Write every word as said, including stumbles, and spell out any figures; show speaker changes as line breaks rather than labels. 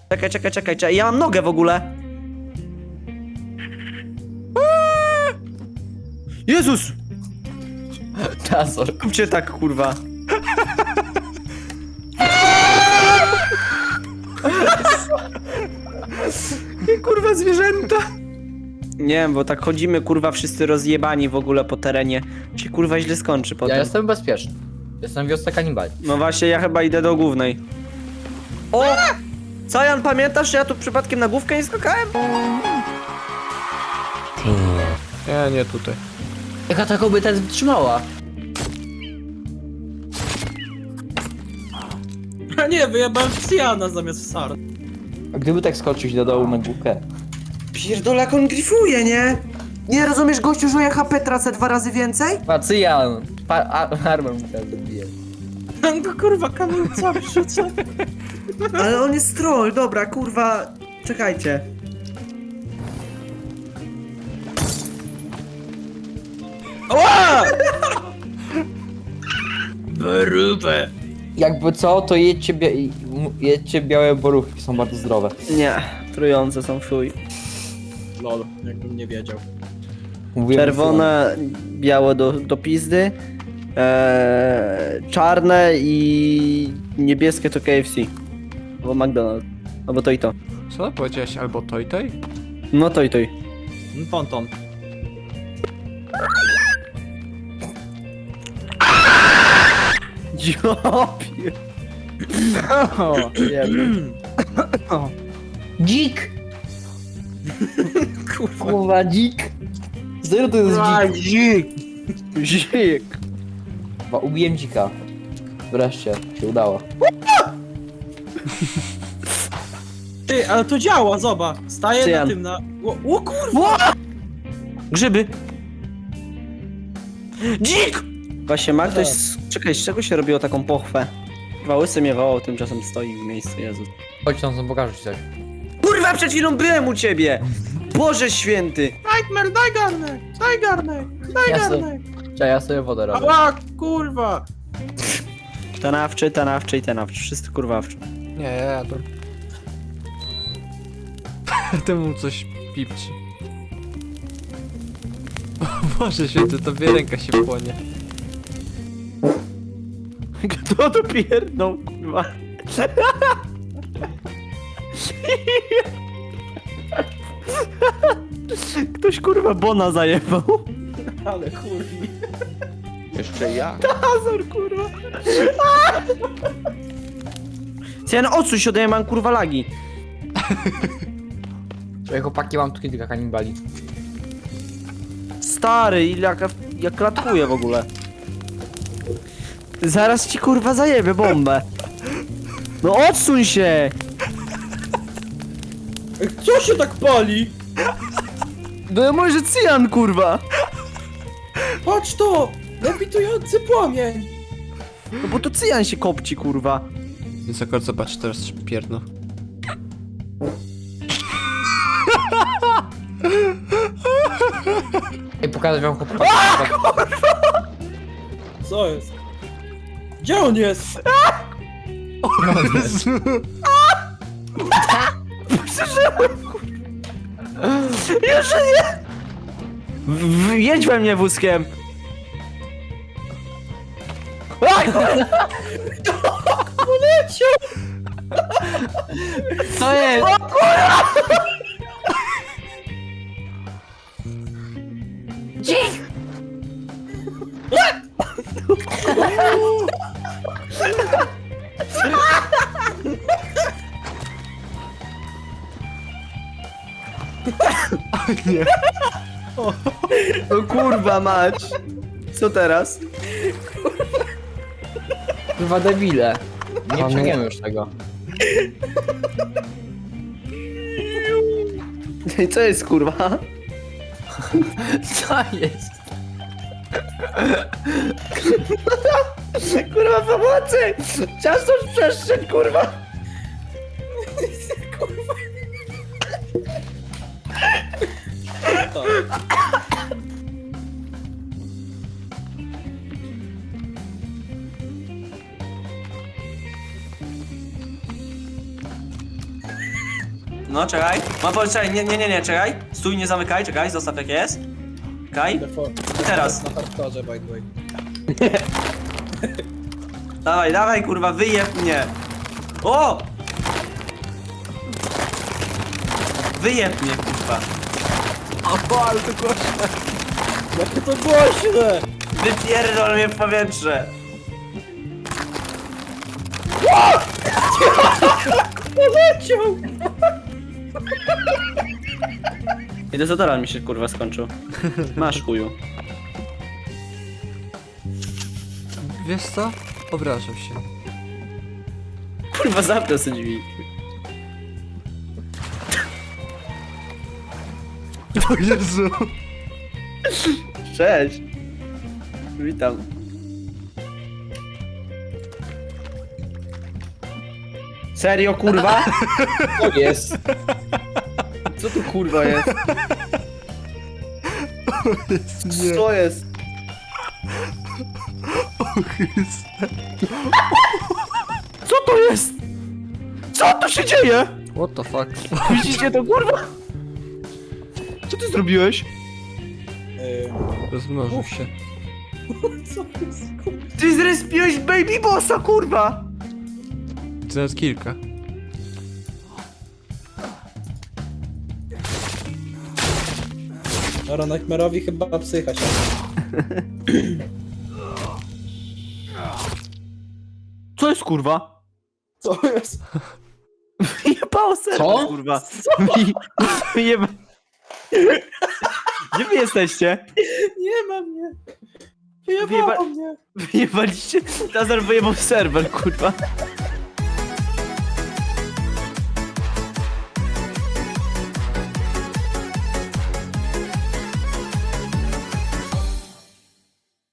Czekaj, czekaj, czekaj, czekaj. Ja mam nogę w ogóle. Jezus!
Czasor.
Kupcie tak, kurwa. I kurwa zwierzęta. Nie wiem, bo tak chodzimy, kurwa, wszyscy rozjebani w ogóle po terenie. Się kurwa źle skończy potem.
Ja jestem bezpieczny. Jestem w wiosce kanibali.
No właśnie, ja chyba idę do głównej. O! Co, Jan, pamiętasz, że ja tu przypadkiem na główkę nie skakałem?
Nie, nie tutaj.
Jaka ta kobieta jest wytrzymała?
A nie, wyjebałem w Cyjana zamiast w Sar.
A gdyby tak skoczyć do dołu na główkę?
Pierdolę, jak on grifuje, nie? Nie rozumiesz, gościu, że ja H P tracę dwa razy więcej?
Pacyjan! Pa armor mu teraz zabije.
Tam go kurwa kamulca wrzuca.
Ale on jest troll, dobra, kurwa. Czekajcie.
Ła! Brubę.
Jakby co, to jedźcie, bia m- jedźcie białe borówki, są bardzo zdrowe.
Nie, trujące są fuj.
Lol, jakbym nie wiedział.
Mówiłem
Czerwone, białe do, do pizdy. Eee, czarne i niebieskie to K F C. Albo McDonald's. Albo to i to.
Co ty powiedziałeś? Albo to i tej?
No to i to i.
Ponton.
Dziopie. O, jeden.
Dzik!
Kurwa.
Kurwa, dzik! Zero to jest dzik.
Dzik. Dzik.
Chyba ubiłem dzika. Wreszcie, się udało.
Ty, ale to działa, zobacz. Staję
Cyjan.
na tym na... O, o kurwa!
Grzyby. Dzik! Właśnie ma ktoś... z- Czekaj, z czego się robiło taką pochwę? Chyba łysy mnie wołał, tymczasem stoi w miejscu, Jezus.
Chodź tam, pokażę ci coś.
Kurwa, przed chwilą byłem u ciebie! Boże święty!
Nightmare, daj garnek! Daj garnek! Daj
Ja
garnek!
Czekaj, ja sobie wodę robię.
Ała, kurwa!
Tanawczy, tanawczy i tanawczy. Wszyscy kurwawczy.
Nie, ja jadłem. Temu coś pipci. O Boże święty, to wie ręka się płonie.
Kto to pierdnął, kurwa? Ktoś kurwa Bona zajebał.
Ale kurwi.
Jeszcze ja.
Azor, kurwa. Cian, odsuń się ode mnie, mam kurwa lagi.
Czekaj, chłopaki, mam tu kilka kanibali.
Stary, ile jak, jak klatkuje w ogóle. Zaraz ci kurwa zajebie bombę. No odsuń się!
Ej, co się tak pali?
No może cyjan kurwa.
Patrz to! Lewitujący płomień!
No bo to cyjan się kopci kurwa.
Więc akurat zobacz, teraz pierdno.
Ej, pokażę wam chłopaki.
Co jest? Gdzie on jest?
Jeszcze nie! W- w- Jedź we mnie wózkiem! Aj, kurwa!
Co jest?
Nie.
No kurwa mać! Co teraz?
Kurwa debile. Nie
O nie.
przejmiemy już tego.
I co jest kurwa?
Co jest?
Kurwa pomocy! Ciasto w przestrzeń kurwa!
No, czekaj. Mam powiedzieć, czekaj, nie, nie, nie, nie, czekaj. Stój, nie zamykaj, czekaj, zostaw jak jest. Czekaj. I teraz.
Na hardkorze, by the way.
Dawaj, dawaj, kurwa, wyjeb mnie. O! Wyjeb mnie, kurwa.
O, ale to głośno.
Jakie to głośne!
Wypierdol mnie w powietrze.
Poleciał!
I dezodorant mi się kurwa skończył. Masz chuju.
Wiesz co? Obrażam się.
Kurwa zamknę sobie drzwi.
O Jezu!
Cześć. Witam. Serio kurwa?
To jest.
Co tu kurwa jest? Co jest? Co to jest? Co tu się dzieje?
What the fuck?
Widzicie to kurwa? Co ty zrobiłeś?
Rozmnożył się.
Co jest?
Ty zrespiłeś baby bossa kurwa!
To nawet kilka.
Dobra, Nightmare'owi chyba psycha się.
Co jest kurwa?
Co jest?
Wyjebało serwer
Co?
kurwa. Wy- Wyjeba... Gdzie wy jesteście?
Nie ma mnie.
Wyjeba-
Wyjebało mnie.
Wyjebaliście? Tazar wyjebał serwer kurwa.